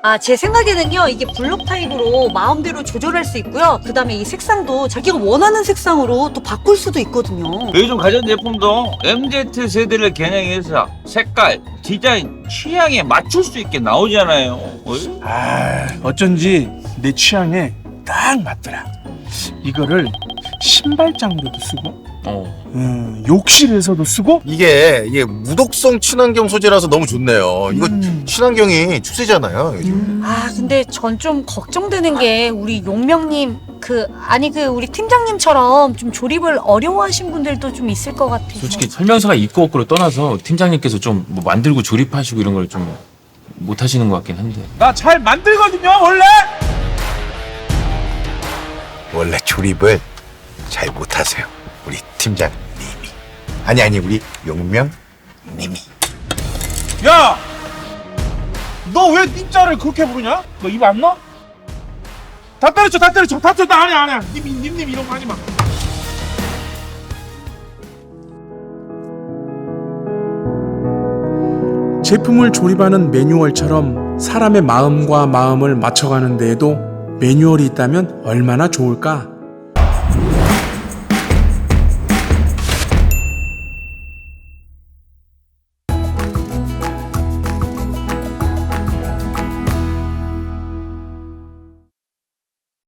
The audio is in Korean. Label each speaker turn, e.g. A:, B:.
A: 제 생각에는요, 이게 블록 타입으로 마음대로 조절할 수 있고요. 그 다음에 이 색상도 자기가 원하는 색상으로 또 바꿀 수도 있거든요.
B: 요즘 가전제품도 MZ세대를 겨냥해서 색깔, 디자인, 취향에 맞출 수 있게 나오잖아요. 어이?
C: 어쩐지 내 취향에 딱 맞더라. 이거를 신발장으로도 쓰고 욕실에서도 쓰고.
D: 이게 무독성 친환경 소재라서 너무 좋네요. 이거 친환경이 추세잖아요, 요즘.
A: 근데 전 좀 걱정되는 게 우리 용명님, 우리 팀장님처럼 좀 조립을 어려워하신 분들도 좀 있을 것 같아요.
E: 솔직히 설명서가 있고 없고를 떠나서 팀장님께서 좀 뭐 만들고 조립하시고 이런 걸 좀 못하시는 것 같긴 한데.
C: 나 잘 만들거든요, 원래.
D: 원래 조립을 잘 못하세요, 우리 팀장님이. 아니 우리 용명님이.
C: 야, 너 왜 님자를 그렇게 부르냐? 너 입 안 넣어? 다 때려쳐. 나 아니야. 님 이런 거 하지 마. 제품을 조립하는 매뉴얼처럼 사람의 마음과 마음을 맞춰가는 데에도 매뉴얼이 있다면 얼마나 좋을까?